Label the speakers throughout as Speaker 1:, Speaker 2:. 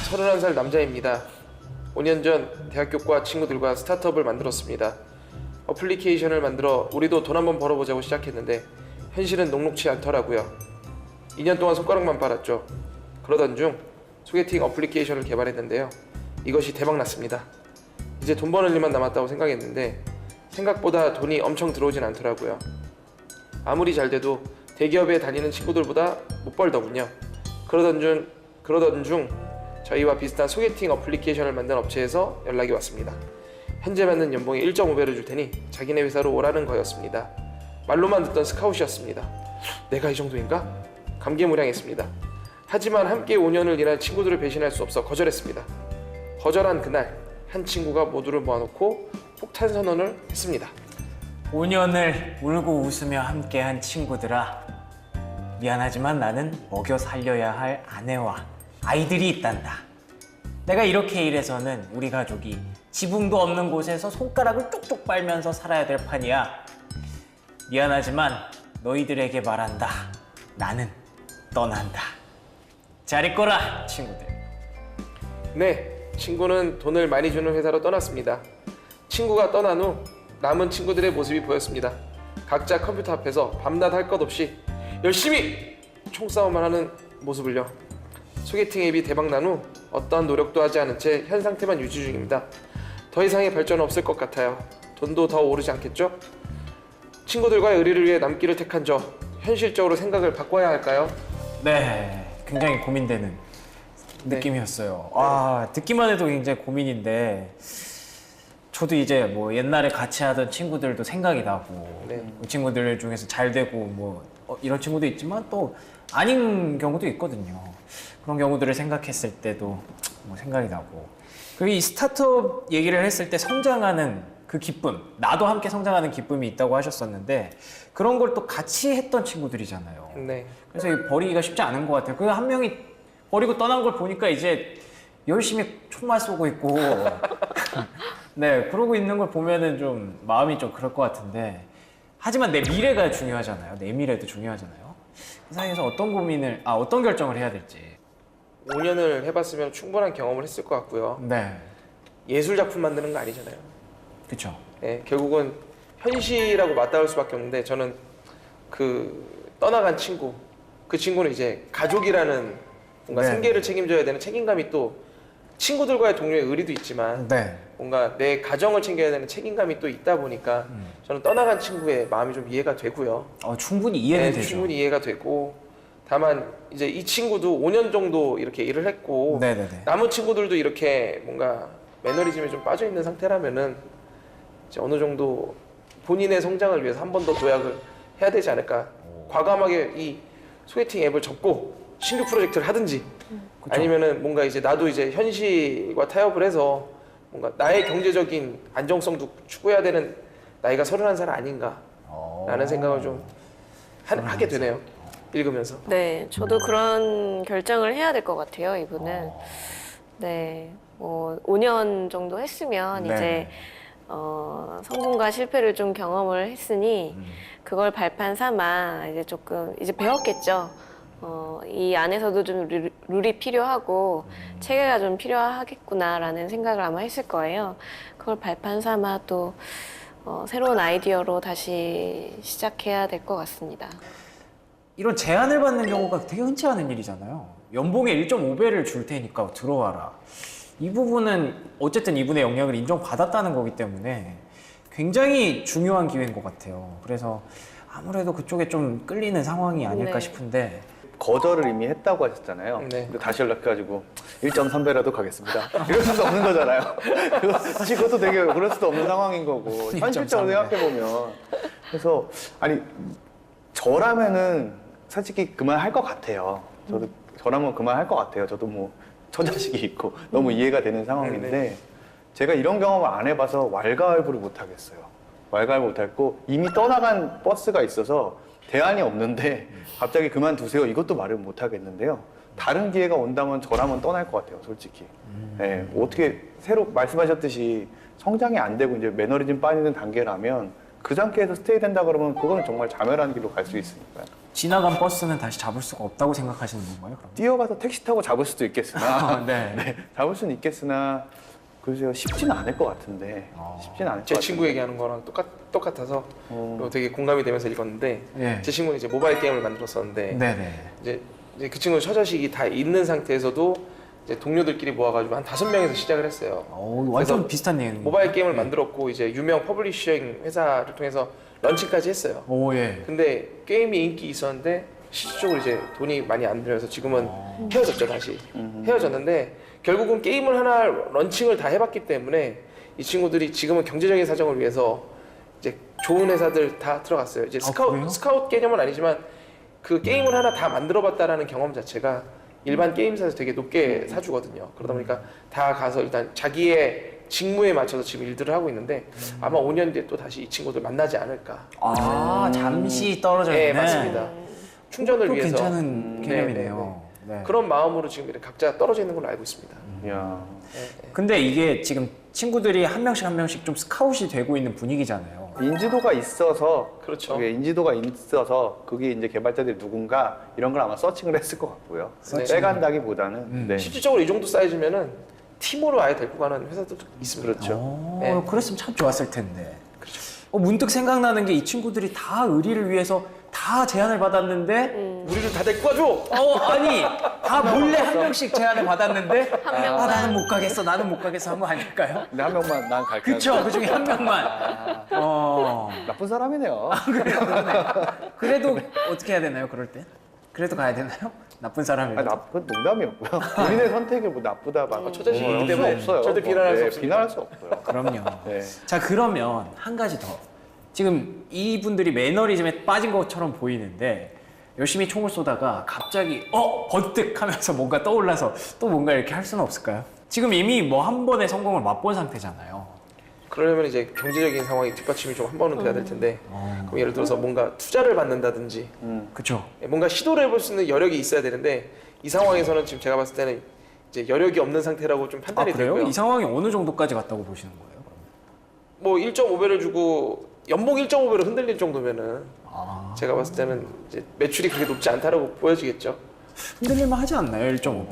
Speaker 1: 31살 남자입니다. 5년 전 대학교과 친구들과 스타트업을 만들었습니다. 어플리케이션을 만들어 우리도 돈 한번 벌어보자고 시작했는데 현실은 녹록치 않더라고요. 2년 동안 손가락만 빨았죠. 그러던 중 소개팅 어플리케이션을 개발했는데요. 이것이 대박났습니다. 이제 돈 버는 일만 남았다고 생각했는데 생각보다 돈이 엄청 들어오진 않더라고요. 아무리 잘 돼도 대기업에 다니는 친구들보다 못 벌더군요. 그러던 중 저희와 비슷한 소개팅 어플리케이션을 만든 업체에서 연락이 왔습니다. 현재 받는 연봉이 1.5배를 줄 테니 자기네 회사로 오라는 거였습니다. 말로만 듣던 스카웃이었습니다. 내가 이 정도인가? 감개무량했습니다. 하지만 함께 5년을 일한 친구들을 배신할 수 없어 거절했습니다. 거절한 그날 한 친구가 모두를 모아놓고 폭탄 선언을 했습니다.
Speaker 2: 5년을 울고 웃으며 함께한 친구들아, 미안하지만 나는 먹여 살려야 할 아내와 아이들이 있단다. 내가 이렇게 일해서는 우리 가족이 지붕도 없는 곳에서 손가락을 쪽쪽 빨면서 살아야 될 판이야. 미안하지만 너희들에게 말한다. 나는 떠난다. 잘 있거라, 친구들.
Speaker 1: 네, 친구는 돈을 많이 주는 회사로 떠났습니다. 친구가 떠난 후 남은 친구들의 모습이 보였습니다. 각자 컴퓨터 앞에서 밤낮 할 것 없이 열심히 총싸움을 하는 모습을요. 소개팅 앱이 대박난 후 어떠한 노력도 하지 않은 채 현 상태만 유지 중입니다. 더 이상의 발전은 없을 것 같아요. 돈도 더 오르지 않겠죠? 친구들과의 의리를 위해 남기를 택한 저, 현실적으로 생각을 바꿔야 할까요?
Speaker 2: 네, 굉장히 고민되는 느낌이었어요. 아, 듣기만 해도 굉장히 고민인데 저도 이제 뭐 옛날에 같이 하던 친구들도 생각이 나고 그 친구들 중에서 잘 되고 뭐 이런 친구도 있지만 또 아닌 경우도 있거든요. 그런 경우들을 생각했을 때도 뭐 생각이 나고, 그리고 이 스타트업 얘기를 했을 때 성장하는 그 기쁨, 나도 함께 성장하는 기쁨이 있다고 하셨었는데 그런 걸 또 같이 했던 친구들이잖아요.
Speaker 1: 네.
Speaker 2: 그래서 이 버리기가 쉽지 않은 것 같아요. 그 한 명이 버리고 떠난 걸 보니까 이제 열심히 총만 쏘고 있고 네, 그러고 있는 걸 보면은 좀 마음이 좀 그럴 것 같은데, 하지만 내 미래가 중요하잖아요. 내 미래도 중요하잖아요. 그 사이에서 어떤 결정을 해야 될지.
Speaker 1: 5년을 해봤으면 충분한 경험을 했을 것 같고요.
Speaker 2: 네,
Speaker 1: 예술 작품 만드는 거 아니잖아요.
Speaker 2: 그렇죠.
Speaker 1: 네, 결국은 현실하고 맞닿을 수밖에 없는데 저는 그 떠나간 친구, 그 친구는 이제 가족이라는 뭔가
Speaker 2: 네.
Speaker 1: 생계를 책임져야 되는 책임감이 또 친구들과의 동료의 의리도 있지만
Speaker 2: 네,
Speaker 1: 뭔가 내 가정을 챙겨야 되는 책임감이 또 있다 보니까 저는 떠나간 친구의 마음이 좀 이해가 되고요.
Speaker 2: 충분히 이해는
Speaker 1: 네,
Speaker 2: 되죠.
Speaker 1: 충분히 이해가 되고, 다만 이제 이 친구도 5년 정도 이렇게 일을 했고
Speaker 2: 네네네.
Speaker 1: 남은 친구들도 이렇게 뭔가 매너리즘에 좀 빠져 있는 상태라면은 이제 어느 정도 본인의 성장을 위해서 한 번 더 도약을 해야 되지 않을까. 과감하게 이 소개팅 앱을 접고 신규 프로젝트를 하든지
Speaker 2: 그쵸. 아니면은
Speaker 1: 뭔가 이제 나도 이제 현실과 타협을 해서 뭔가 나의 경제적인 안정성도 추구해야 되는 나이가 31살 아닌가라는 생각을 좀 하게 되네요. 읽으면서.
Speaker 3: 네, 저도 그런 결정을 해야 될 것 같아요, 이분은. 네, 뭐 5년 정도 했으면
Speaker 2: 네네.
Speaker 3: 이제 성공과 실패를 좀 경험을 했으니 그걸 발판 삼아 이제 조금 이제 배웠겠죠. 이 안에서도 좀 룰이 필요하고 체계가 좀 필요하겠구나라는 생각을 아마 했을 거예요. 그걸 발판 삼아 또 새로운 아이디어로 다시 시작해야 될 것 같습니다.
Speaker 2: 이런 제안을 받는 경우가 되게 흔치 않은 일이잖아요. 연봉의 1.5배를 줄 테니까 들어와라. 이 부분은 어쨌든 이분의 영향을 인정받았다는 거기 때문에 굉장히 중요한 기회인 것 같아요. 그래서 아무래도 그쪽에 좀 끌리는 상황이 아닐까
Speaker 3: 네.
Speaker 2: 싶은데.
Speaker 4: 거절을 이미 했다고 하셨잖아요.
Speaker 1: 네.
Speaker 4: 근데 다시 연락해가지고 1.3배라도 가겠습니다. 이럴 수도 없는 거잖아요. 사실 그것도 되게 그럴 수도 없는 상황인 거고, 현실적으로
Speaker 2: 1.3배.
Speaker 4: 생각해보면. 그래서 아니 저라면은 솔직히 그만할 것 같아요. 저라면 그만할 것 같아요. 저도 뭐 처자식이 있고 너무 이해가 되는 상황인데 제가 이런 경험을 안 해봐서 왈가왈부를 못 하겠어요. 왈가왈부 못 하겠고, 이미 떠나간 버스가 있어서 대안이 없는데 갑자기 그만두세요, 이것도 말을 못 하겠는데요. 다른 기회가 온다면 저라면 떠날 것 같아요, 솔직히. 네, 어떻게 새로 말씀하셨듯이 성장이 안 되고 이제 매너리즘 빠지는 단계라면 그 상태에서 스테이 된다 그러면 그거는 정말 자멸하는 길로 갈 수 있으니까요.
Speaker 2: 지나간 버스는 다시 잡을 수가 없다고 생각하시는 건가요? 그럼?
Speaker 4: 뛰어가서 택시 타고 잡을 수도 있겠으나
Speaker 2: 네.
Speaker 4: 잡을 수는 있겠으나 글쎄요 쉽지는 않을 것 같은데 쉽지는 않을 것
Speaker 1: 제
Speaker 4: 같은데.
Speaker 1: 친구 얘기하는 거랑 똑같아서 그리고 되게 공감이 되면서 읽었는데
Speaker 2: 예.
Speaker 1: 제 친구는 이제 모바일 게임을 만들었었는데
Speaker 2: 네네.
Speaker 1: 이제 그 친구는 처자식이 다 있는 상태에서도 이제 동료들끼리 모아가지고 한 5명에서 시작을 했어요.
Speaker 2: 완전
Speaker 1: 그래서
Speaker 2: 비슷한 내용.
Speaker 1: 모바일 게임을 만들었고 이제 유명 퍼블리싱 회사를 통해서 런칭까지 했어요.
Speaker 2: 오 예.
Speaker 1: 근데 게임이 인기 있었는데 실질적으로 이제 돈이 많이 안 들어서 지금은 헤어졌죠 다시. 헤어졌는데 결국은 게임을 하나 런칭을 다 해봤기 때문에 이 친구들이 지금은 경제적인 사정을 위해서 이제 좋은 회사들 다 들어갔어요. 이제
Speaker 2: 그래요?
Speaker 1: 스카웃 개념은 아니지만 그 게임을 하나 다 만들어봤다라는 경험 자체가 일반 게임사에서 되게 높게 사주거든요. 그러다 보니까 다 가서 일단 자기의 직무에 맞춰서 지금 일들을 하고 있는데 아마 5년 뒤에 또 다시 이 친구들 만나지 않을까.
Speaker 2: 잠시 떨어져
Speaker 1: 네,
Speaker 2: 있는.
Speaker 1: 맞습니다. 충전을
Speaker 2: 또
Speaker 1: 위해서.
Speaker 2: 괜찮은 개념이네요. 네.
Speaker 1: 그런 마음으로 지금 이렇게 각자 떨어져 있는 걸로 알고 있습니다.
Speaker 4: 이야.
Speaker 2: 근데 이게 지금 친구들이 한 명씩 좀 스카웃이 되고 있는 분위기잖아요.
Speaker 4: 인지도가 있어서
Speaker 1: 그렇죠.
Speaker 4: 그게 인지도가 있어서 그게 이제 개발자들이 누군가 이런 걸 아마 서칭을 했을 것 같고요.
Speaker 1: 서칭.
Speaker 4: 빼간다기보다는 네.
Speaker 1: 실질적으로 이 정도 사이즈면은 팀으로 아예 데리고 가는 회사들도 있습니다.
Speaker 4: 그렇죠.
Speaker 1: 네.
Speaker 2: 그랬으면 참 좋았을 텐데. 문득 생각나는 게 이 친구들이 다 의리를 위해서 다 제안을 받았는데
Speaker 1: 우리를 다 데리고 가줘.
Speaker 2: 아니 다 몰래 한 명씩 제안을 받았는데
Speaker 3: 한 명만.
Speaker 2: 나는 못 가겠어 한 거 아닐까요?
Speaker 4: 근데 한 명만 난 갈게.
Speaker 2: 그쵸, 그 중에 한 명만.
Speaker 4: 나쁜 사람이네요.
Speaker 2: 그래도 어떻게 해야 되나요, 그럴 때? 그래도 가야 되나요? 나쁜 사람이면.
Speaker 4: 나쁜 농담이었고요. 본인의 선택이 뭐 나쁘다 막
Speaker 1: 처자식이기
Speaker 4: 그럴 수
Speaker 1: 때문에
Speaker 4: 없어요.
Speaker 1: 절대 비난할 수
Speaker 4: 네,
Speaker 1: 없습니다.
Speaker 4: 비난할 수 없어요.
Speaker 2: 그럼요.
Speaker 4: 네.
Speaker 2: 자, 그러면 한 가지 더. 지금 이분들이 매너리즘에 빠진 것처럼 보이는데 열심히 총을 쏘다가 갑자기 번뜩 하면서 뭔가 떠올라서 또 뭔가 이렇게 할 수는 없을까요? 지금 이미 뭐 한 번의 성공을 맛본 상태잖아요.
Speaker 1: 그러려면 이제 경제적인 상황이 뒷받침이 좀 한 번은 돼야 될 텐데 그럼 예를 들어서 뭔가 투자를 받는다든지
Speaker 2: 그쵸?
Speaker 1: 뭔가 시도를 해볼 수 있는 여력이 있어야 되는데 이 상황에서는 지금 제가 봤을 때는 이제 여력이 없는 상태라고 좀 판단이
Speaker 2: 그래요?
Speaker 1: 되고요.
Speaker 2: 이 상황이 어느 정도까지 갔다고 보시는 거예요?
Speaker 1: 뭐 1.5배를 주고 연봉 1.5배로 흔들릴 정도면은 제가 봤을 때는 이제 매출이 그렇게 높지 않다라고 보여지겠죠.
Speaker 2: 흔들릴만 하지 않나요? 1.5배면?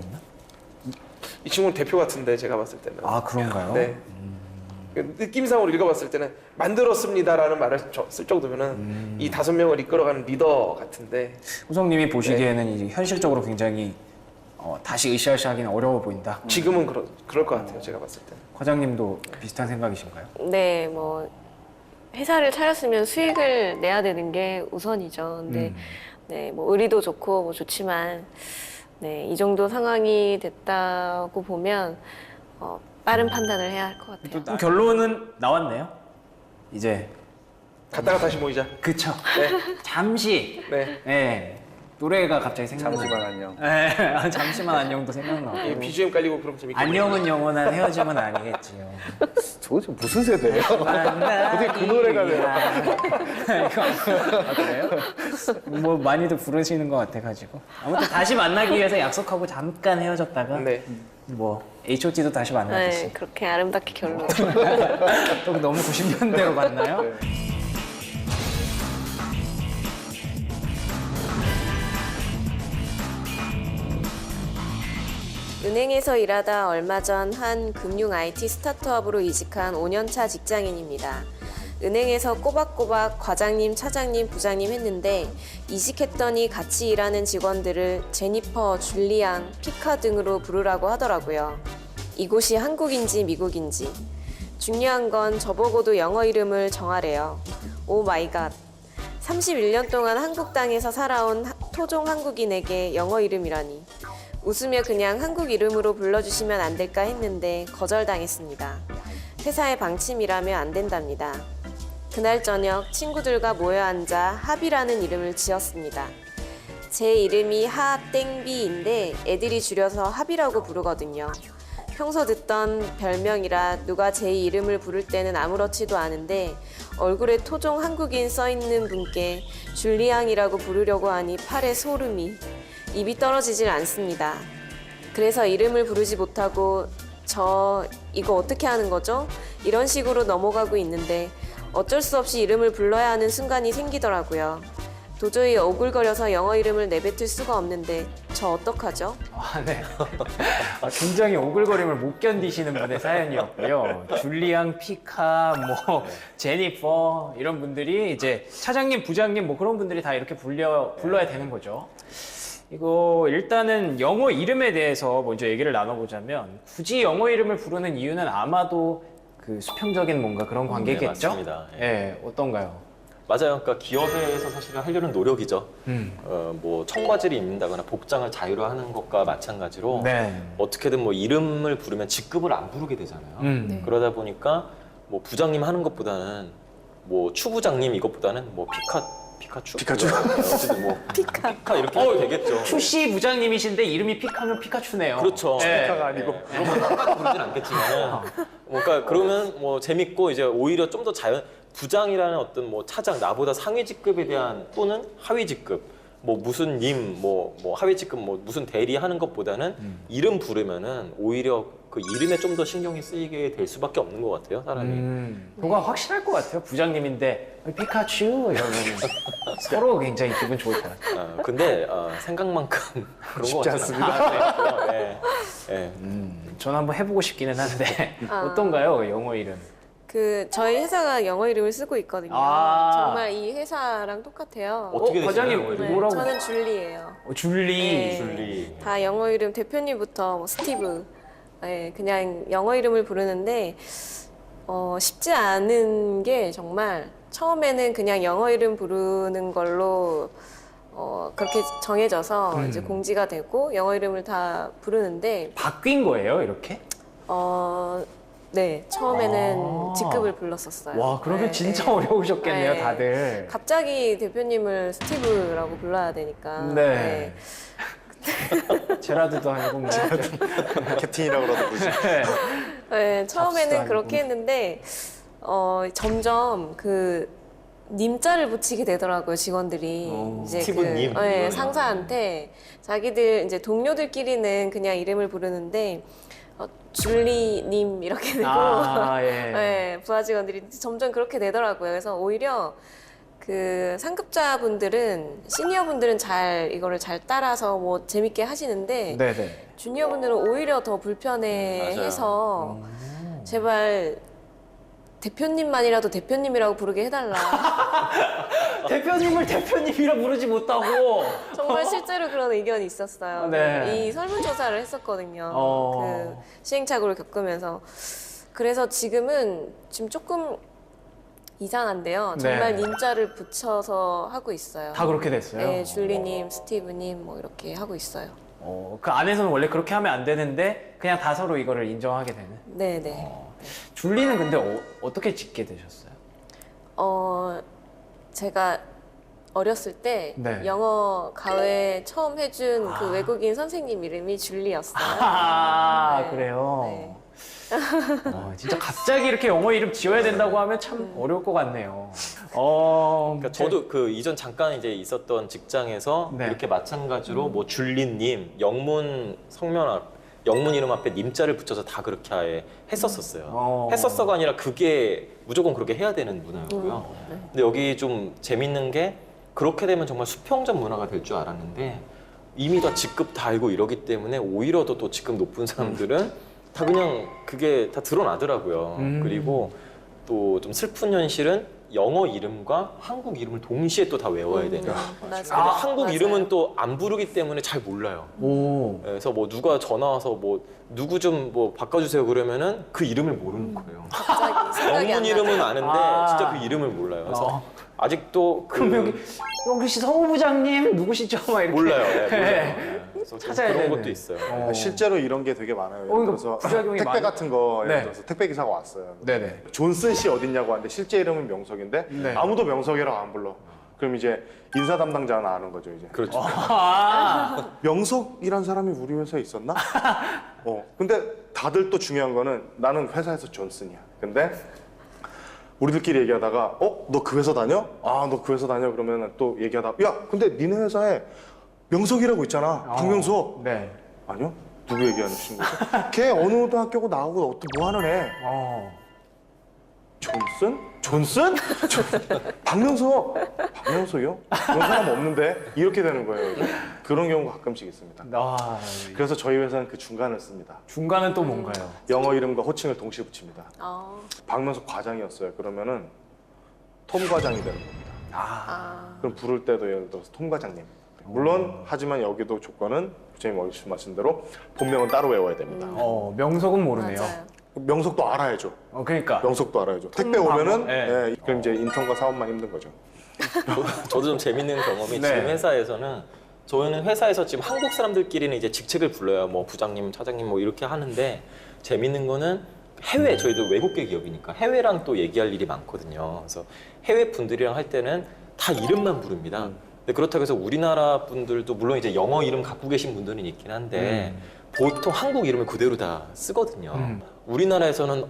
Speaker 1: 이 친구는 대표 같은데 제가 봤을 때는.
Speaker 2: 그런가요?
Speaker 1: 네. 그 느낌상으로 읽어봤을 때는 만들었습니다라는 말을 쓸 정도면은 이 5명을 이끌어가는 리더 같은데
Speaker 2: 우성님이 보시기에는 이제 현실적으로 굉장히 다시 으쌰으쌰하기는 어려워 보인다.
Speaker 1: 지금은 그럴 것 같아요. 제가 봤을 때는.
Speaker 2: 과장님도 비슷한 생각이신가요?
Speaker 3: 네, 뭐 회사를 차렸으면 수익을 내야 되는 게 우선이죠. 근데 네, 뭐 의리도 좋고 뭐 좋지만 네, 이 정도 상황이 됐다고 보면 빠른 판단을 해야 할 것 같아요.
Speaker 2: 그럼 결론은 나왔네요. 이제
Speaker 1: 갔다가 다시 모이자.
Speaker 2: 그쵸.
Speaker 1: 네.
Speaker 2: 잠시.
Speaker 1: 네.
Speaker 2: 네. 노래가 갑자기 생각나요.
Speaker 4: 잠시만 안녕.
Speaker 2: 네, 잠시만 안녕도 생각나고.
Speaker 1: 이 BGM 깔리고 그럼 재밌겠네요.
Speaker 2: 안녕은 영원한 헤어짐은 아니겠지요.
Speaker 4: 저거 무슨 세대예요? 어떻게 그 노래가 돼요?
Speaker 2: 그래요? 뭐 많이들 부르시는 것 같아가지고. 아무튼 다시 만나기 위해서 약속하고 잠깐 헤어졌다가
Speaker 1: 네.
Speaker 2: 뭐 H.O.T도 다시 만나듯이.
Speaker 3: 네, 그렇게 아름답게 결론.
Speaker 2: 또 너무 90년대로 갔나요?
Speaker 4: 네.
Speaker 3: 은행에서 일하다 얼마 전 한 금융 IT 스타트업으로 이직한 5년차 직장인입니다. 은행에서 꼬박꼬박 과장님, 차장님, 부장님 했는데 이직했더니 같이 일하는 직원들을 제니퍼, 줄리앙, 피카 등으로 부르라고 하더라고요. 이곳이 한국인지 미국인지. 중요한 건 저보고도 영어 이름을 정하래요. 오 마이 갓. 31년 동안 한국 땅에서 살아온 토종 한국인에게 영어 이름이라니. 웃으며 그냥 한국 이름으로 불러주시면 안 될까 했는데 거절당했습니다. 회사의 방침이라며 안 된답니다. 그날 저녁 친구들과 모여 앉아 합이라는 이름을 지었습니다. 제 이름이 하땡비인데 애들이 줄여서 합이라고 부르거든요. 평소 듣던 별명이라 누가 제 이름을 부를 때는 아무렇지도 않은데 얼굴에 토종 한국인 써있는 분께 줄리앙이라고 부르려고 하니 팔에 소름이. 입이 떨어지질 않습니다. 그래서 이름을 부르지 못하고 저 이거 어떻게 하는 거죠? 이런 식으로 넘어가고 있는데 어쩔 수 없이 이름을 불러야 하는 순간이 생기더라고요. 도저히 오글거려서 영어 이름을 내뱉을 수가 없는데 저 어떡하죠?
Speaker 2: 아, 네. 굉장히 오글거림을 못 견디시는 분의 사연이었고요. 줄리앙, 피카, 뭐 제니퍼 이런 분들이 이제 차장님, 부장님 뭐 그런 분들이 다 이렇게 불러야 되는 거죠. 이거 일단은 영어 이름에 대해서 먼저 얘기를 나눠보자면 굳이 영어 이름을 부르는 이유는 아마도 그 수평적인 뭔가 그런 관계겠죠?
Speaker 5: 네, 맞습니다. 예.
Speaker 2: 예, 어떤가요?
Speaker 5: 맞아요. 그러니까 기업에서 사실은 하려는 노력이죠. 뭐 청바지를 입는다거나 복장을 자유로하는 것과 마찬가지로
Speaker 2: 네.
Speaker 5: 어떻게든 뭐 이름을 부르면 직급을 안 부르게 되잖아요.
Speaker 2: 네.
Speaker 5: 그러다 보니까 뭐 부장님 하는 것보다는 뭐 추부장님 이것보다는 뭐 피카츄? 어쨌든 뭐 피카 이렇게 해도 되겠죠.
Speaker 2: 추씨 부장님이신데 이름이 피카면 피카츄네요.
Speaker 5: 그렇죠.
Speaker 2: 네.
Speaker 4: 피카가 아니고.
Speaker 5: 그러면 똑같이 부르진 않겠지만, 그러니까 그러면 뭐 재밌고 이제 오히려 좀 더 부장이라는 어떤 뭐 차장 나보다 상위 직급에 대한 또는 하위 직급 뭐 무슨 님 뭐 하위 직급 뭐 무슨 대리 하는 것보다는 이름 부르면은 오히려 그 이름에 좀 더 신경이 쓰이게 될 수밖에 없는 것 같아요, 사람이.
Speaker 2: 그거 확실할 것 같아요. 부장님인데 피카츄 이러면 서로 굉장히 기분 좋을 것 같아요.
Speaker 5: 근데 생각만큼 그런 거
Speaker 4: 쉽지
Speaker 5: 같지는 않아요. 네. 네.
Speaker 2: 저는 한번 해보고 싶기는 한데
Speaker 3: 아.
Speaker 2: 어떤가요, 영어 이름?
Speaker 3: 저희 회사가 영어 이름을 쓰고 있거든요.
Speaker 2: 아.
Speaker 3: 정말 이 회사랑 똑같아요.
Speaker 5: 어떻게 되시나요,
Speaker 2: 과장님
Speaker 5: 영어 이름이?
Speaker 2: 뭐라고?
Speaker 3: 저는 줄리예요.
Speaker 2: 줄리.
Speaker 3: 네.
Speaker 5: 줄리.
Speaker 3: 다 영어 이름 대표님부터 뭐 스티브. 네, 그냥 영어 이름을 부르는데 쉽지 않은 게 정말 처음에는 그냥 영어 이름 부르는 걸로 그렇게 정해져서 이제 공지가 되고 영어 이름을 다 부르는데
Speaker 2: 바뀐 거예요, 이렇게?
Speaker 3: 네, 처음에는
Speaker 2: 아.
Speaker 3: 직급을 불렀었어요.
Speaker 2: 와, 그러면
Speaker 3: 네,
Speaker 2: 진짜
Speaker 3: 네.
Speaker 2: 어려우셨겠네요,
Speaker 3: 네.
Speaker 2: 다들.
Speaker 3: 갑자기 대표님을 스티브라고 불러야 되니까.
Speaker 2: 네. 제라드도 아니고 뭐.
Speaker 4: 캡틴이라고 그러도 그러지.
Speaker 3: 네, 처음에는
Speaker 2: 잡스도
Speaker 3: 그렇게
Speaker 2: 아니고.
Speaker 3: 했는데 점점 그 님자를 붙이게 되더라고요, 직원들이. 이제
Speaker 5: 스티브님.
Speaker 3: 네, 상사한테 자기들 이제 동료들끼리는 그냥 이름을 부르는데 줄리님 이렇게 되고
Speaker 2: 아, 예.
Speaker 3: 네, 부하 직원들이 점점 그렇게 되더라고요. 그래서 오히려 그 상급자분들은 시니어분들은 이거를 잘 따라서 뭐 재밌게 하시는데
Speaker 2: 네네.
Speaker 3: 주니어분들은 오히려 더 불편해해서 제발 대표님만이라도 대표님이라고 부르게 해달라.
Speaker 2: 대표님을 대표님이라 부르지 못하고.
Speaker 3: 정말 실제로 그런 의견이 있었어요.
Speaker 2: 네.
Speaker 3: 이 설문조사를 했었거든요.
Speaker 2: 어.
Speaker 3: 그 시행착오를 겪으면서. 그래서 지금 조금 이상한데요. 정말
Speaker 2: 네.
Speaker 3: 님자를 붙여서 하고 있어요.
Speaker 2: 다 그렇게 됐어요?
Speaker 3: 네, 줄리님, 스티브님 뭐 이렇게 하고 있어요.
Speaker 2: 그 안에서는 원래 그렇게 하면 안 되는데 그냥 다 서로 이거를 인정하게 되는.
Speaker 3: 네네.
Speaker 2: 줄리는 근데 어떻게 짓게 되셨어요?
Speaker 3: 제가 어렸을 때
Speaker 2: 네.
Speaker 3: 영어 가외 처음 해준 그 외국인 선생님 이름이 줄리였어요.
Speaker 2: 아,
Speaker 3: 네.
Speaker 2: 그래요?
Speaker 3: 네.
Speaker 2: 진짜 갑자기 이렇게 영어 이름 지어야 된다고 하면 참 어려울 것 같네요.
Speaker 5: 그러니까 저도 그 이전 잠깐 이제 있었던 직장에서
Speaker 2: 네.
Speaker 5: 이렇게 마찬가지로 뭐 줄리님 영문 영문 이름 앞에 님자를 붙여서 다 그렇게 아예 했었었어요. 했었어가 아니라 그게 무조건 그렇게 해야 되는 문화였고요. 근데 여기 좀 재밌는 게 그렇게 되면 정말 수평적 문화가 될 줄 알았는데 이미 다 직급 다 알고 이러기 때문에 오히려 더 또 직급 높은 사람들은 다 그냥 그게 다 드러나더라고요. 그리고 또 좀 슬픈 현실은 영어 이름과 한국 이름을 동시에 또 다 외워야 되는.
Speaker 3: 맞아요.
Speaker 5: 근데 한국
Speaker 3: 맞아요.
Speaker 5: 이름은 또 안 부르기 때문에 잘 몰라요.
Speaker 2: 오.
Speaker 5: 그래서 뭐 누가 전화 와서 뭐 누구 좀 뭐 바꿔주세요 그러면은 그 이름을 모르는 거예요.
Speaker 3: 갑자기 생각이
Speaker 5: 영문
Speaker 3: 안
Speaker 5: 이름은
Speaker 3: 나요.
Speaker 5: 아는데
Speaker 2: 아.
Speaker 5: 진짜 그 이름을 몰라요. 그래서 아직도
Speaker 2: 그럼 혹시 성우부장님 누구시죠? 막 이렇게.
Speaker 5: 몰라요. 네, 몰라요. 네. 그래서 좀
Speaker 2: 찾아야
Speaker 5: 그런
Speaker 2: 되는.
Speaker 5: 것도 있어요.
Speaker 4: 실제로 이런 게 되게 많아요. 예를
Speaker 2: 이거
Speaker 4: 들어서
Speaker 2: 부작용이
Speaker 4: 택배
Speaker 2: 많이-
Speaker 4: 같은 거 예를
Speaker 2: 네.
Speaker 4: 들어서 택배 기사가 왔어요.
Speaker 2: 네네.
Speaker 4: 존슨 씨 어딨냐고 하는데 실제 이름은 명석인데
Speaker 2: 네.
Speaker 4: 아무도 명석이라고 안 불러. 그럼 이제 인사 담당자는 아는 거죠 이제.
Speaker 5: 그렇죠.
Speaker 2: 아.
Speaker 4: 명석이란 사람이 우리 회사에 있었나? 근데 다들 또 중요한 거는 나는 회사에서 존슨이야. 근데 우리들끼리 얘기하다가 너 그 회사 다녀? 아, 너 그 회사 다녀? 그러면 또 얘기하다가 야, 근데 니네 회사에 명석이라고 있잖아. 박명석.
Speaker 2: 네.
Speaker 4: 아니요? 누구 얘기하는 친구죠? 걔 어느 학교고 나오고 뭐 하는 애?
Speaker 2: 어.
Speaker 4: 존슨?
Speaker 6: 존슨? 박명수요? 그런 사람 없는데 이렇게 되는 거예요. 그런 경우가 가끔씩 있습니다.
Speaker 2: 아,
Speaker 6: 그래서 저희 회사는 그 중간을 씁니다.
Speaker 2: 중간은 또 뭔가요?
Speaker 6: 영어 이름과 호칭을 동시에 붙입니다.
Speaker 3: 어.
Speaker 6: 박명수 과장이었어요. 그러면은 톰 과장이 되는 겁니다. 그럼 부를 때도 예를 들어서 톰 과장님. 물론 하지만 여기도 조건은 부장님 말씀하신 대로 본명은 따로 외워야 됩니다.
Speaker 2: 명석은 모르네요.
Speaker 3: 맞아요.
Speaker 6: 명석도 알아야죠.
Speaker 2: 그러니까.
Speaker 6: 명석도 알아야죠. 택배 오면은
Speaker 2: 예.
Speaker 6: 그럼 이제 인턴과 사원만 힘든 거죠.
Speaker 5: 저도 좀 재밌는 경험이
Speaker 2: 네.
Speaker 5: 지금 회사에서는 저희는 회사에서 지금 한국 사람들끼리는 이제 직책을 불러요. 뭐 부장님, 차장님 뭐 이렇게 하는데 재밌는 거는 해외 저희도 외국계 기업이니까 해외랑 또 얘기할 일이 많거든요. 그래서 해외 분들이랑 할 때는 다 이름만 부릅니다. 근데 그렇다고 해서 우리나라 분들도 물론 이제 영어 이름 갖고 계신 분들은 있긴 한데 보통 한국 이름을 그대로 다 쓰거든요. 우리나라에서는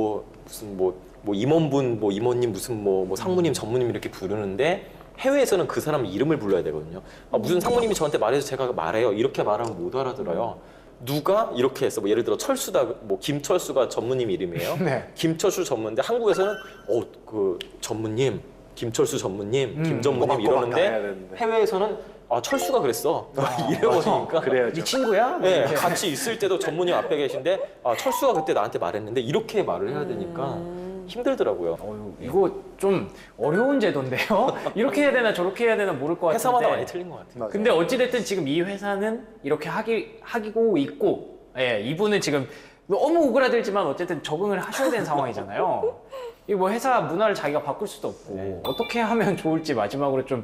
Speaker 5: 무슨 임원분, 뭐 임원님, 무슨 뭐 상무님, 전무님 이렇게 부르는데 해외에서는 그 사람 이름을 불러야 되거든요. 무슨 상무님이 저한테 말해서 제가 말해요. 이렇게 말하면 못 알아들어요. 누가 이렇게 했어. 뭐 예를 들어 철수다. 뭐 김철수가 전무님 이름이에요.
Speaker 2: 네.
Speaker 5: 김철수 전무인데 한국에서는 그 전무님, 김철수 전무님, 김전무님
Speaker 6: 꼬박꼬박 다 해야
Speaker 5: 이러는데
Speaker 6: 되는데.
Speaker 5: 해외에서는 철수가 그랬어. 이래버리니까.
Speaker 6: 그래야죠.
Speaker 2: 네 친구야?
Speaker 5: 네, 같이 있을 때도 전무님 앞에 계신데 철수가 그때 나한테 말했는데 이렇게 말을 해야 되니까 힘들더라고요.
Speaker 2: 이거 좀 어려운 제도인데요? 이렇게 해야 되나 저렇게 해야 되나 모를 것 같은데.
Speaker 5: 회사마다 많이 틀린 것 같아요.
Speaker 6: 맞아요.
Speaker 2: 근데 어찌됐든 지금 이 회사는 이렇게 하기고 있고, 예, 이분은 지금 너무 오그라들지만 어쨌든 적응을 하셔야 되는 상황이잖아요. 이 뭐 회사 문화를 자기가 바꿀 수도 없고 어떻게 하면 좋을지 마지막으로 좀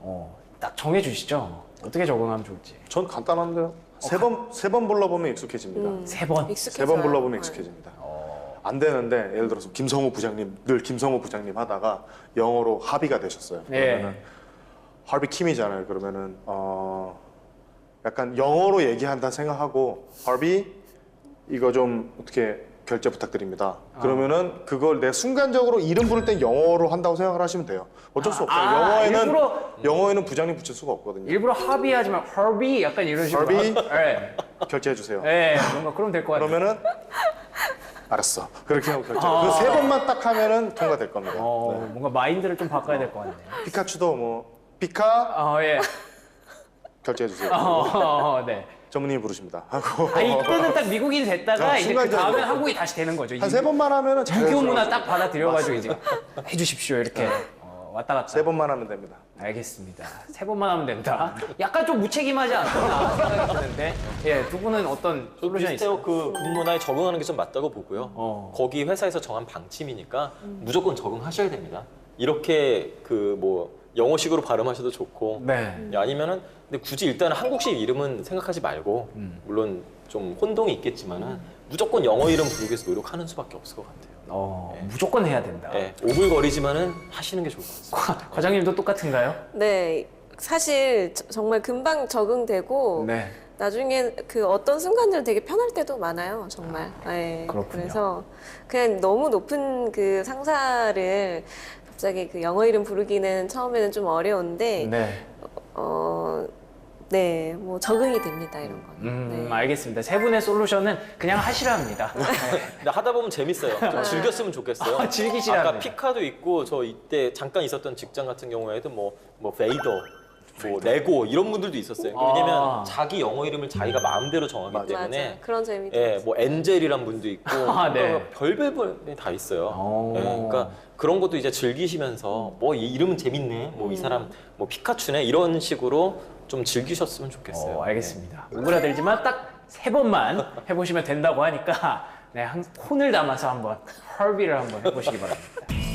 Speaker 2: 딱 정해주시죠. 어떻게 적응하면 좋을지.
Speaker 6: 전 간단한데요. 세 번 불러보면 익숙해집니다.
Speaker 2: 세 번.
Speaker 6: 세 번 불러보면
Speaker 3: 네.
Speaker 6: 익숙해집니다. 안 되는데 예를 들어서 김성호 부장님 늘 김성호 부장님 하다가 영어로 하비가 되셨어요. 그러면은 하비 킴이잖아요. 그러면은 약간 영어로 얘기한다 생각하고 하비 이거 좀 어떻게 결제 부탁드립니다. 그러면은 그걸 내 순간적으로 이름 부를 땐 영어로 한다고 생각을 하시면 돼요. 어쩔 수 없어요. 영어에는 부장님 붙일 수가 없거든요.
Speaker 2: 일부러 합의하지만 허비 약간 이런 식으로.
Speaker 6: 허비?
Speaker 2: 예.
Speaker 6: 결제해 주세요.
Speaker 2: 예, 뭔가 그럼 될 것 같아요.
Speaker 6: 그러면은 알았어. 그렇게 하고 결제. 그 세 번만 딱 하면은 통과될 겁니다. 네.
Speaker 2: 뭔가 마인드를 좀 바꿔야 될 것 같네요.
Speaker 6: 피카츄도 뭐 피카
Speaker 2: 예.
Speaker 6: 결제해 주세요.
Speaker 2: 네.
Speaker 6: 전무님이 부르십니다. 하고
Speaker 2: 이때는 딱 미국인 됐다가 이제 그
Speaker 6: 순간적으로.
Speaker 2: 다음엔 한국이 다시 되는 거죠.
Speaker 6: 한 세 번만 하면은
Speaker 2: 유교
Speaker 6: 자연스러워져요.
Speaker 2: 문화 딱 받아들여가지고 이제 해주십시오 이렇게 왔다 갔다.
Speaker 6: 세 번만 하면 됩니다.
Speaker 2: 알겠습니다. 세 번만 하면 된다. 약간 좀 무책임하지 않나 생각이 드는데, 예, 두 분은 어떤 솔루션이 있어요?
Speaker 5: 비슷해요. 그 근무나에 적응하는 게 좀 맞다고 보고요. 거기 회사에서 정한 방침이니까 무조건 적응하셔야 됩니다. 이렇게 그 뭐 영어식으로 발음하셔도 좋고,
Speaker 2: 네.
Speaker 5: 아니면은 근데 굳이 일단은 한국식 이름은 생각하지 말고 물론 좀 혼동이 있겠지만은 무조건 영어 이름 부르기 위해서 노력하는 수밖에 없을 것 같아요.
Speaker 2: 무조건 해야 된다.
Speaker 5: 네, 오글거리지만은 하시는 게 좋을 것 같습니다.
Speaker 2: 과장님도 똑같은가요?
Speaker 3: 네, 사실 정말 금방 적응되고
Speaker 2: 네.
Speaker 3: 나중에 그 어떤 순간들은 되게 편할 때도 많아요, 정말. 네,
Speaker 2: 그렇군요.
Speaker 3: 그래서 그냥 너무 높은 그 상사를 갑자기 그 영어 이름 부르기는 처음에는 좀 어려운데,
Speaker 2: 네.
Speaker 3: 네, 뭐 적응이 됩니다, 이런 거는. 네.
Speaker 2: 알겠습니다. 세 분의 솔루션은 그냥 하시라 합니다. 네.
Speaker 5: 근데 하다 보면 재밌어요. 좀 즐겼으면 좋겠어요.
Speaker 2: 즐기시라
Speaker 5: 아까
Speaker 2: 합니다.
Speaker 5: 피카도 있고 저 이때 잠깐 있었던 직장 같은 경우에도 뭐 베이더, 뭐 레고 이런 분들도 있었어요. 왜냐면 자기 영어 이름을 자기가 마음대로 정하기 때문에
Speaker 3: 맞아, 그런 재미도
Speaker 5: 예,
Speaker 3: 있어요.
Speaker 5: 뭐 엔젤이란 분도 있고
Speaker 2: 네.
Speaker 5: 그러니까 별별 분이 다 있어요. 예, 그러니까 그런 것도 이제 즐기시면서 뭐 이 이름은 재밌네, 뭐 이 사람 뭐 피카츄네 이런 식으로 좀 즐기셨으면 좋겠어요.
Speaker 2: 알겠습니다. 오그라들지만 딱 세 번만 해보시면 된다고 하니까 네, 혼을 담아서 한번 헐비를 한번 해보시기 바랍니다.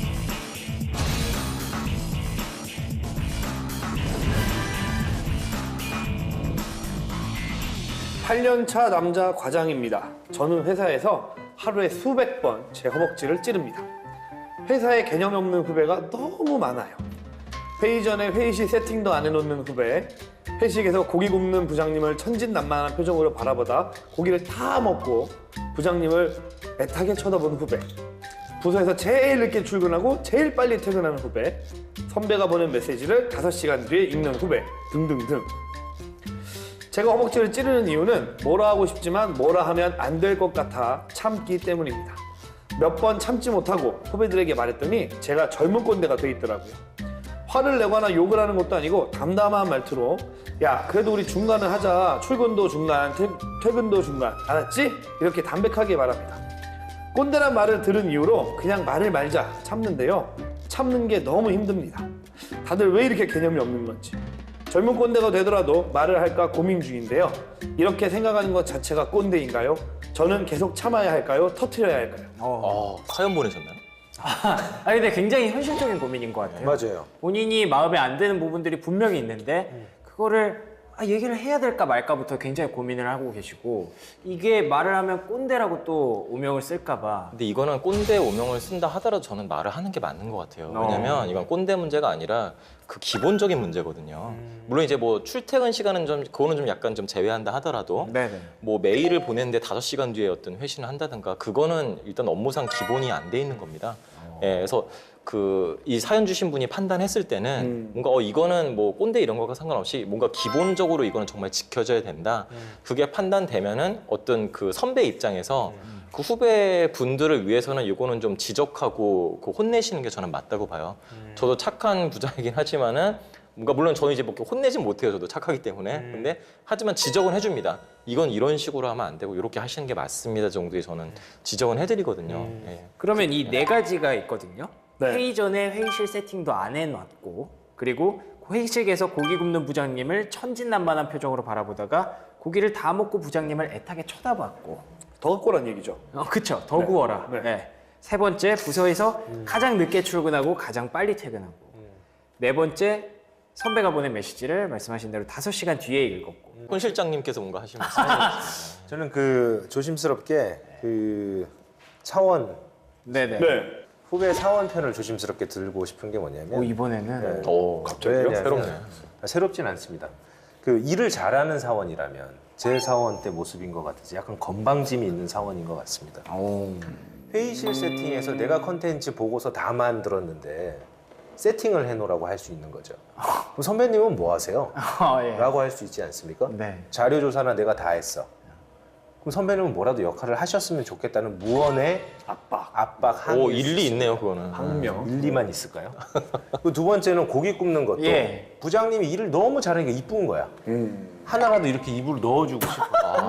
Speaker 7: 8년차 남자 과장입니다. 저는 회사에서 하루에 수백 번 제 허벅지를 찌릅니다. 회사에 개념 없는 후배가 너무 많아요. 회의 전에 회의실 세팅도 안 해놓는 후배, 회식에서 고기 굽는 부장님을 천진난만한 표정으로 바라보다 고기를 다 먹고 부장님을 애타게 쳐다보는 후배, 부서에서 제일 늦게 출근하고 제일 빨리 퇴근하는 후배, 선배가 보낸 메시지를 5시간 뒤에 읽는 후배 등등등. 제가 허벅지를 찌르는 이유는 뭐라 하고 싶지만 뭐라 하면 안 될 것 같아 참기 때문입니다. 몇 번 참지 못하고 후배들에게 말했더니 제가 젊은 꼰대가 돼 있더라고요. 화를 내거나 욕을 하는 것도 아니고 담담한 말투로 야 그래도 우리 중간은 하자. 출근도 중간, 퇴근도 중간. 알았지? 이렇게 담백하게 말합니다. 꼰대란 말을 들은 이후로 그냥 말을 말자 참는데요. 참는 게 너무 힘듭니다. 다들 왜 이렇게 개념이 없는 건지. 젊은 꼰대가 되더라도 말을 할까 고민 중인데요. 이렇게 생각하는 것 자체가 꼰대인가요? 저는 계속 참아야 할까요? 터트려야 할까요?
Speaker 5: 사연 보내셨나요?
Speaker 2: 근데 굉장히 현실적인 고민인 것 같아요.
Speaker 8: 맞아요.
Speaker 2: 본인이 마음에 안 드는 부분들이 분명히 있는데 그거를 얘기를 해야 될까 말까부터 굉장히 고민을 하고 계시고 이게 말을 하면 꼰대라고 또 오명을 쓸까 봐.
Speaker 5: 근데 이거는 꼰대 오명을 쓴다 하더라도 저는 말을 하는 게 맞는 것 같아요. 왜냐면 이건 꼰대 문제가 아니라 그 기본적인 문제거든요. 물론 이제 뭐 출퇴근 시간은 좀 그거는 좀 약간 좀 제외한다 하더라도
Speaker 2: 네네.
Speaker 5: 뭐 메일을 보냈는데 5시간 뒤에 어떤 회신을 한다든가 그거는 일단 업무상 기본이 안 돼 있는 겁니다. 예, 그래서 이 사연 주신 분이 판단했을 때는 뭔가 이거는 뭐 꼰대 이런 거가 상관없이 뭔가 기본적으로 이거는 정말 지켜져야 된다. 그게 판단되면은 어떤 그 선배 입장에서 그 후배 분들을 위해서는 이거는 좀 지적하고 그 혼내시는 게 저는 맞다고 봐요. 저도 착한 부장이긴 하지만은 뭔가 물론 저는 이제 뭐 이렇게 혼내진 못해요. 저도 착하기 때문에. 근데 하지만 지적은 해줍니다. 이건 이런 식으로 하면 안 되고 이렇게 하시는 게 맞습니다 정도의 저는 지적은 해드리거든요. 예.
Speaker 2: 그러면 이 4가지가 있거든요.
Speaker 7: 네.
Speaker 2: 회의 전에 회의실 세팅도 안 해놨고 그리고 회의실에서 고기 굽는 부장님을 천진난만한 표정으로 바라보다가 고기를 다 먹고 부장님을 애타게 쳐다봤고
Speaker 7: 더 갖고란 얘기죠.
Speaker 2: 그쵸. 더 구워라.
Speaker 7: 네.
Speaker 2: 네. 3번째 부서에서 가장 늦게 출근하고 가장 빨리 퇴근하고 4번째 선배가 보낸 메시지를 말씀하신 대로 5시간 뒤에 읽었고
Speaker 5: 손 실장님께서 뭔가 하시면
Speaker 8: 저는 그 조심스럽게 그 사원
Speaker 2: 네네.
Speaker 7: 네.
Speaker 8: 후배 사원 편을 조심스럽게 들고 싶은 게 뭐냐면
Speaker 2: 이번에는
Speaker 8: 갑자기요?
Speaker 5: 새롭네.
Speaker 8: 새롭진 않습니다. 그 일을 잘하는 사원이라면 제 사원 때 모습인 것 같아서 약간 건방짐이 있는 사원인 것 같습니다. 회의실 세팅에서 내가 컨텐츠 보고서 다 만들었는데 세팅을 해놓으라고 할 수 있는 거죠. 그럼 선배님은 뭐 하세요?
Speaker 2: 예.
Speaker 8: 라고 할 수 있지 않습니까?
Speaker 2: 네.
Speaker 8: 자료 조사나 내가 다 했어. 그럼 선배님은 뭐라도 역할을 하셨으면 좋겠다는 무언의 압박, 항의.
Speaker 5: 오 일리 있네요 그거는.
Speaker 7: 방명.
Speaker 8: 일리만 있을까요? 그 두 번째는 고기 굽는 것도
Speaker 2: 예.
Speaker 8: 부장님이 일을 너무 잘하니까 이쁜 거야. 하나라도 이렇게 입으로 넣어주고 싶어.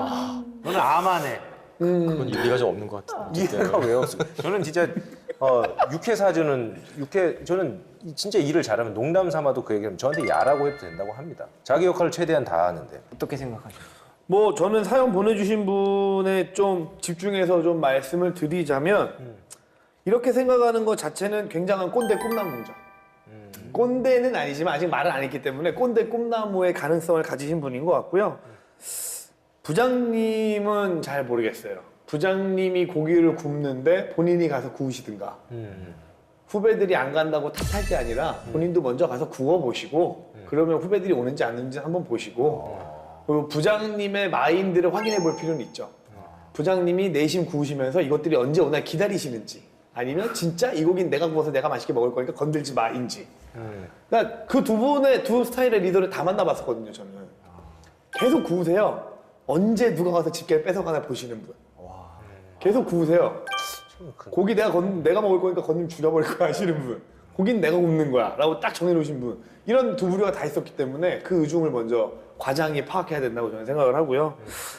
Speaker 8: 너는 아만해.
Speaker 5: 그건 일리가 좀 없는 것 같은데.
Speaker 8: 이해가 왜 없어? 저는 진짜 육회 사주는 저는 진짜 일을 잘하면 농담 삼아도 그 얘기하면 저한테 야라고 해도 된다고 합니다. 자기 역할을 최대한 다 하는데.
Speaker 2: 어떻게 생각하세요?
Speaker 7: 뭐 저는 사연 보내주신 분에 좀 집중해서 좀 말씀을 드리자면 이렇게 생각하는 것 자체는 굉장한 꼰대 꿈나무죠. 꼰대는 아니지만 아직 말을 안 했기 때문에 꼰대 꿈나무의 가능성을 가지신 분인 것 같고요. 부장님은 잘 모르겠어요. 부장님이 고기를 굽는데 본인이 가서 구우시든가 후배들이 안 간다고 탓할 게 아니라 본인도 먼저 가서 구워보시고 그러면 후배들이 오는지 안 오는지 한번 보시고 그리고 부장님의 마인드를 확인해 볼 필요는 있죠. 부장님이 내심 구우시면서 이것들이 언제 오나 기다리시는지 아니면 진짜 이 고기는 내가 구워서 내가 맛있게 먹을 거니까 건들지 마인지. 그러니까 그 두 스타일의 리더를 다 만나봤었거든요. 저는 계속 구우세요. 언제 누가 가서 집게를 뺏어가나 보시는 분. 계속 구우세요. 고기 내가 먹을 거니까 건님 죽여버릴 거야 하시는 분. 고기는 내가 굽는 거야 라고 딱 정해놓으신 분. 이런 두 부류가 다 있었기 때문에 그 의중을 먼저 과장이 파악해야 된다고 저는 생각을 하고요.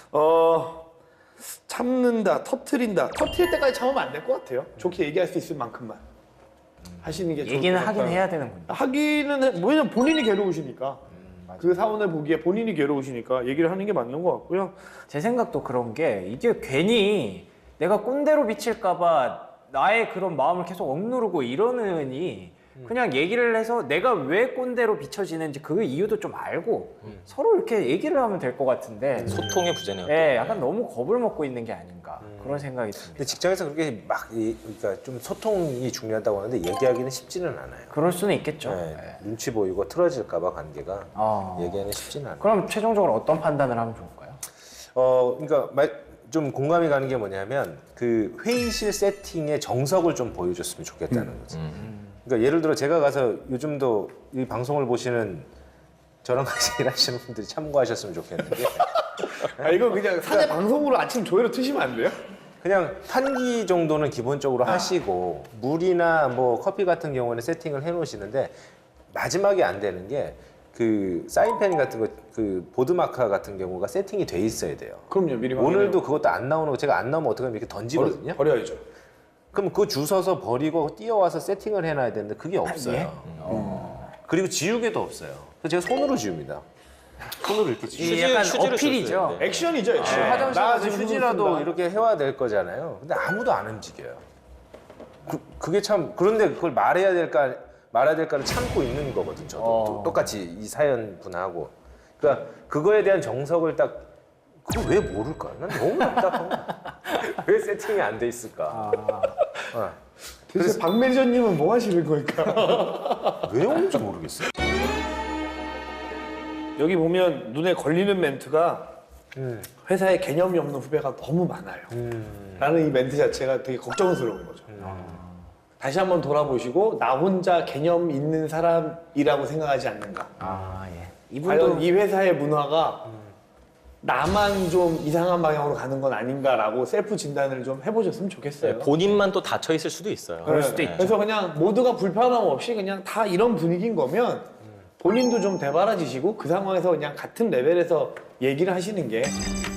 Speaker 7: 참는다, 터트린다. 터트릴 때까지 참으면 안 될 것 같아요. 좋게 얘기할 수 있을 만큼만 하시는 게 좋을 것
Speaker 2: 얘기는
Speaker 7: 같아요.
Speaker 2: 하긴 해야 되는군요.
Speaker 7: 하기는 왜냐면 본인이 괴로우시니까. 그 사원을 보기에 본인이 괴로우시니까 얘기를 하는 게 맞는 것 같고요.
Speaker 2: 제 생각도 그런 게 이게 괜히 내가 꼰대로 비칠까봐 나의 그런 마음을 계속 억누르고 이러느니 그냥 얘기를 해서 내가 왜 꼰대로 비춰지는지 그 이유도 좀 알고 서로 이렇게 얘기를 하면 될 것 같은데
Speaker 5: 소통의 부재네요.
Speaker 2: 예, 약간 너무 겁을 먹고 있는 게 아닌가 그런 생각이
Speaker 8: 근데
Speaker 2: 듭니다.
Speaker 8: 직장에서 그렇게 그러니까 좀 소통이 중요하다고 하는데 얘기하기는 쉽지는 않아요.
Speaker 2: 그럴 수는 있겠죠.
Speaker 8: 네,
Speaker 2: 예.
Speaker 8: 눈치 보이고 틀어질까봐 관계가
Speaker 2: 어.
Speaker 8: 얘기하기는 쉽지는 않아요.
Speaker 2: 그럼 최종적으로 어떤 판단을 하면 좋을까요?
Speaker 8: 그러니까 좀 공감이 가는 게 뭐냐면 그 회의실 세팅의 정석을 좀 보여줬으면 좋겠다는 거지. 그러니까 예를 들어 제가 가서 요즘도 이 방송을 보시는 저랑 같이 일하시는 분들이 참고하셨으면 좋겠는데
Speaker 7: 이거 그냥 사내 방송으로 아침 조회로 트시면 안 돼요?
Speaker 8: 그냥 환기 정도는 기본적으로 하시고 물이나 뭐 커피 같은 경우는 세팅을 해놓으시는데 마지막에 안 되는 게 그 사인펜 같은 거, 그 보드마카 같은 경우가 세팅이 돼 있어야 돼요.
Speaker 7: 그럼요, 미리
Speaker 8: 오늘도 그것도 안 나오는 거 제가 안 나오면 어떻게 하면 이렇게 던지거든요.
Speaker 7: 버려야죠.
Speaker 8: 그럼 그거 주워서 버리고 뛰어와서 세팅을 해놔야 되는데 그게 없어요. 그리고 지우개도 없어요. 그래서 제가 손으로 지웁니다. 손으로 이렇게 지우고.
Speaker 2: 이 약간
Speaker 5: 휴지를
Speaker 2: 어필이죠.
Speaker 5: 썼어요. 네.
Speaker 7: 액션이죠, 액션.
Speaker 8: 화장실
Speaker 7: 나
Speaker 8: 가서
Speaker 7: 지금
Speaker 8: 휴지라도
Speaker 7: 쓴다.
Speaker 8: 이렇게 해와야 될 거잖아요. 근데 아무도 안 움직여요. 그게 참 그런데 그걸 말해야 될까를 참고 있는 거거든. 저도 똑같이 이 사연 분하고. 그러니까 그거에 대한 정석을 딱 그걸 왜 모를까? 난 너무 답답한 거야. 왜 세팅이 안 돼 있을까?
Speaker 7: 도대체 박 매니저님은 뭐 하시는 걸까?
Speaker 8: 왜 오는지 모르겠어요.
Speaker 7: 여기 보면 눈에 걸리는 멘트가 회사에 개념이 없는 후배가 너무 많아요. 라는 이 멘트 자체가 되게 걱정스러운 거죠. 다시 한번 돌아보시고 나 혼자 개념 있는 사람이라고 생각하지 않는가.
Speaker 2: 아, 예.
Speaker 7: 과연
Speaker 2: 이분도
Speaker 7: 이 회사의 문화가 나만 좀 이상한 방향으로 가는 건 아닌가라고 셀프 진단을 좀 해보셨으면 좋겠어요.
Speaker 5: 본인만 또 닫혀 있을 수도 있어요.
Speaker 2: 그럴 수도 있죠.
Speaker 7: 그래서 그냥 모두가 불편함 없이 그냥 다 이런 분위기인 거면 본인도 좀 대바라지시고 그 상황에서 그냥 같은 레벨에서 얘기를 하시는 게